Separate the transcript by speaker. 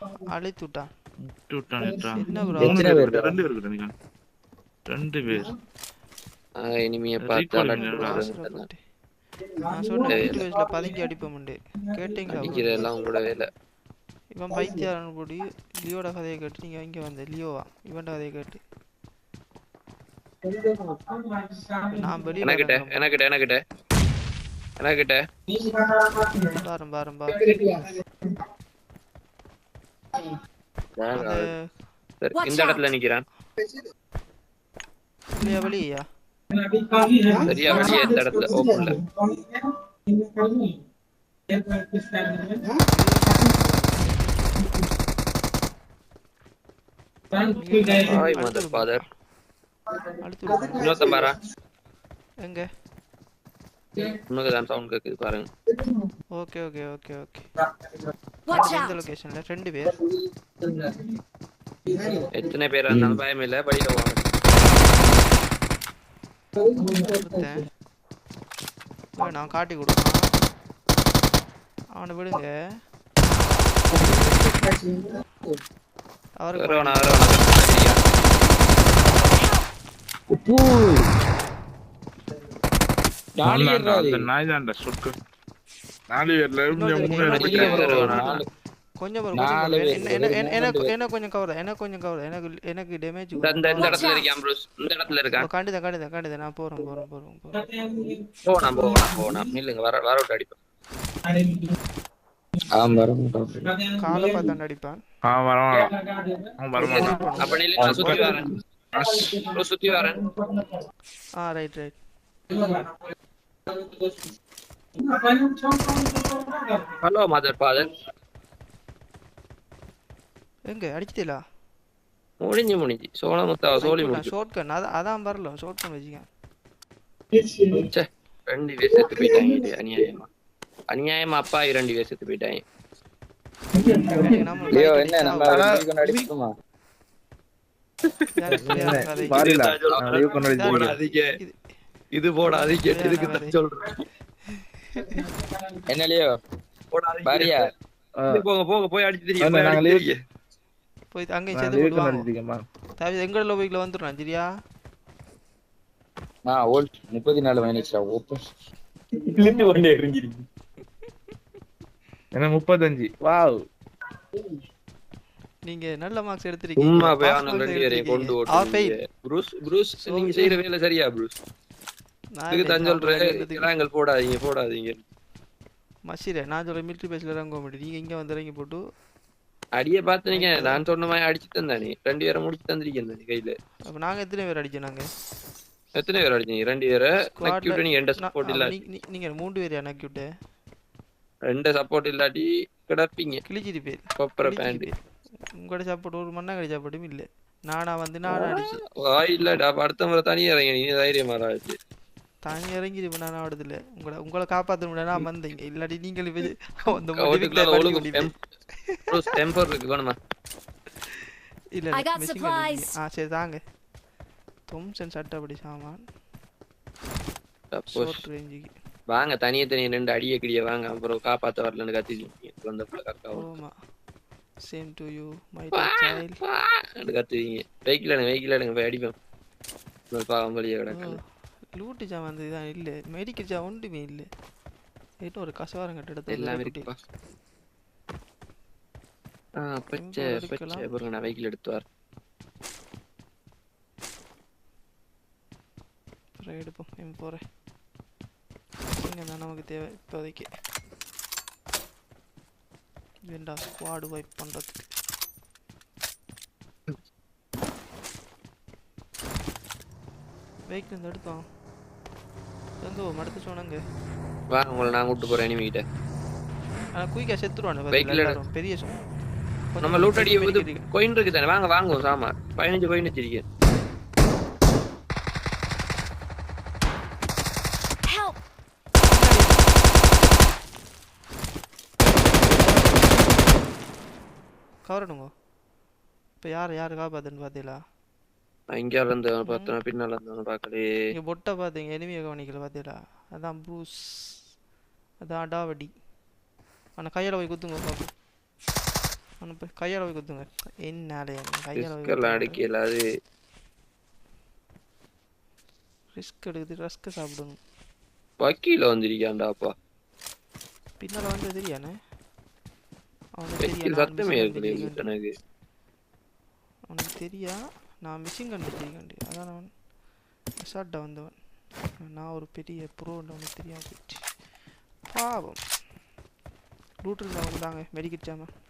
Speaker 1: அழித்து விட்டான்.
Speaker 2: என்ன
Speaker 1: ப்ரோ
Speaker 3: எத்தனை பேர்?
Speaker 2: ரெண்டு பேர்
Speaker 3: இனிமையை பார்த்து
Speaker 1: அவசரப்பட்டு நான் சொன்ன மிலிட்ரி பேஸ்ல பதுங்கி அடிப்போம்ண்டு கேட்டீங்களா?
Speaker 3: அடிக்கிறதெல்லாம் உங்களோட வேலை.
Speaker 1: இவன் பைத்தியாரன் போடி லியோட கதையை கேட்டு நீங்க இங்க வந்த லியோவா இவன்ட கதையை கேட்டு நான் வெளியில
Speaker 3: எனக்கிட்ட
Speaker 1: பாரம்
Speaker 3: இந்த இடத்துல நிக்கிறான்.
Speaker 1: வெளியா
Speaker 3: சரியா வெளியே இந்த இடத்துல ஓப்பன்ல. Hi mother father. இன்னொருத்தன் பாரா
Speaker 1: எங்க
Speaker 3: உனக்கு தான் சவுண்ட் கேக்குது பாருங்க.
Speaker 1: ஓகே இந்த லொகேஷன்ல ரெண்டு பேர்.
Speaker 3: எத்தனை பேர் இருந்தாலும் பயம் இல்ல, படியில வாங்க.
Speaker 1: நான் காட்டி கொடுப்பேன் அவனை விடுங்க. அவருக்கு கொஞ்சம் என்ன கொஞ்சம் கவர் எனக்கு டேமேஜ்
Speaker 3: இந்த இடத்துல இருக்கான் ப்ரோ. இந்த இடத்துல இருக்கான்.
Speaker 1: காண்டித நான் போறேன்
Speaker 3: போலாம் நில்லுங்க. வர விட்டு அடிப்பேன்.
Speaker 1: கால பார்த்தாண்ட அடிப்பான்.
Speaker 3: அப்ப நில்லுங்க, சுத்தி வரேன்.
Speaker 1: Right
Speaker 3: hello mother father.
Speaker 1: எங்க அடிச்சிட்டீங்களா?
Speaker 3: முடிஞ்சு சோலி முடிஞ்சு.
Speaker 1: ஷார்ட்கன் அதான் வரல. ஷார்ட்கன் வச்சிங்க.
Speaker 3: ரெண்டு பேர் செத்து போயிட்டாங்க. அநியாயமா அப்பா 2 பேர் செத்து போயிட்டாங்க.
Speaker 4: என்ன நம்ம அடிச்சுமா
Speaker 3: இது போடாதீங்க. எதுக்கு தான் சொல்றேன்.
Speaker 4: என்னலையோ
Speaker 3: பாரியா போங்க போய் அடிச்சு தெரியும்.
Speaker 1: போய் அங்கேயும் சேர்த்து போடுவாங்க. எங்கட லோபிக்ல வந்துடுறான் சரியா?
Speaker 4: 34 மைனஸ்டா ஓப்பன்
Speaker 2: ஒண்ணே எரிஞ்சிருக்கு. என்ன 35? வாவ்,
Speaker 1: நீங்க நல்ல மார்க்ஸ் எடுத்துறீங்க.
Speaker 3: கொண்டு ப்ரூஸ் நீங்க செய்யற வேலை சரியா ப்ரூஸ்? இதுக்கு தான் சொல்றேன் போடாதீங்க.
Speaker 1: மசிரே நான் சொல்ற மிலிட்டரி பேஸ்ல இறங்க மாட்டேன். நீங்க இங்க வந்து இறங்கி போட்டு
Speaker 3: அடிய பாத்துனீங்க. நான் சொன்ன மாதிரி அடிச்சு தந்தானே. 2 பேரை முடிச்சு தந்திருக்கேன் கையில.
Speaker 1: அப்ப நாங்க எத்தனை பேர் அடிச்சோம்?
Speaker 3: எத்தனை பேர் அடிச்சீங்க? 2 பேரை. நக்யூட் நீங்க எந்த சப்போர்ட் இல்ல.
Speaker 1: நீங்க 3 பேர் நக்யூட்.
Speaker 3: 2 சப்போர்ட் இல்லாட்டி கிடப்பீங்க.
Speaker 1: கிழிச்சிட்டு பேர்
Speaker 3: கொப்பர பேண்ட்.
Speaker 1: உங்களோட சப்போர்ட் ஒரு மண்ணா கடி சப்போர்ட்டும் இல்ல. நானா அடிச்சு
Speaker 3: இல்லடா. அடுத்த முறை தனியா இறங்க. நீ தைரியமா ஆச்சு.
Speaker 1: தனி இறங்கி நான் ஆடுது இல்ல. உங்களை காப்பாத்த முடியாது. நான் வந்தீங்க இல்லாட்டி நீங்கள் சரி தாங்க. தொம்சன் சட்டப்படி சாமான்
Speaker 3: வாங்க. தனியே 2 அடிய கிடிய வாங்க. அப்புறம் காப்பாத்த வரலன்னு கத்துவீங்க.
Speaker 1: Same to you my child.
Speaker 3: கத்துவீங்க. வெஹிக்கிள் போய் அடிப்பேன். பாவம் வழியா கிடக்கு.
Speaker 1: லூட்டு ஜாம் வந்து இதான் இல்லை. மெடிக்கல் ஜாம் ஒன்றுமே இல்லை. ஏட்டோ ஒரு கசவாரம் கட்ட
Speaker 3: எல்லாம் இருக்குப்பா. பச்சை பாருங்க. நான் வெஹிக்கிள் எடுத்து வரேன்.
Speaker 1: எடுப்போம். போகிறேன். இங்கே தான் நமக்கு தேவை இப்போதைக்கு. வேண்டா ஸ்குவாடு வைப் பண்ணுறதுக்கு. வெஹிக்கிள் வந்து எடுத்தோம். எங்க மடுத்து சொன்னாங்க.
Speaker 3: வாங்க உங்களை நான் கூட்டு போறேன் எனிமி கிட்ட.
Speaker 1: குயிக்கா செத்துருவானு பெரிய
Speaker 3: நம்ம லூட் அடி கோயின் இருக்கு தானே. வாங்க சாமா 15 கோயின் வச்சிருக்கேன்.
Speaker 1: கவரணுங்க. இப்போ யார் காப்பாத்துன்னு பார்த்தீங்களா?
Speaker 3: இங்க இருந்து பார்த்தா பின்னால இருந்து பார்க்கலே.
Speaker 1: நீங்க பொட்ட பாத்தீங்க. எனிமியை கவனிக்கல பார்த்தீங்களா? அதான் ப்ரூஸ். அதான் அடாவடி. ஆனா கையில போய் குத்துங்க பாப்போம். அவனை போய் கையால் போய் குத்துங்க. என்னாலே கையால் போய்
Speaker 3: ரிஸ்கெல்லாம் அடிக்கல அது
Speaker 1: ரிஸ்க் எடுக்குது. ரஸ்க்கு சாப்பிடணும்.
Speaker 3: வக்கீல வந்திருக்கான்டாப்பா.
Speaker 1: பின்னால் வந்து தெரியானே அவனுக்கு
Speaker 3: வக்கீல் சத்தமே இருக்குது எனக்கு.
Speaker 1: அவனுக்கு தெரியா நான் மிஷின் கண்டுபிடிக்கண்டி. அதான் அவன் அசால்ட்டாக வந்தவன். நான் ஒரு பெரிய ப்ரோன்னு அவனுக்கு தெரியாமல் போயிடுச்சு. பாவம். ரூட் இருந்தாங்க மெடிக்கெட் ஜாம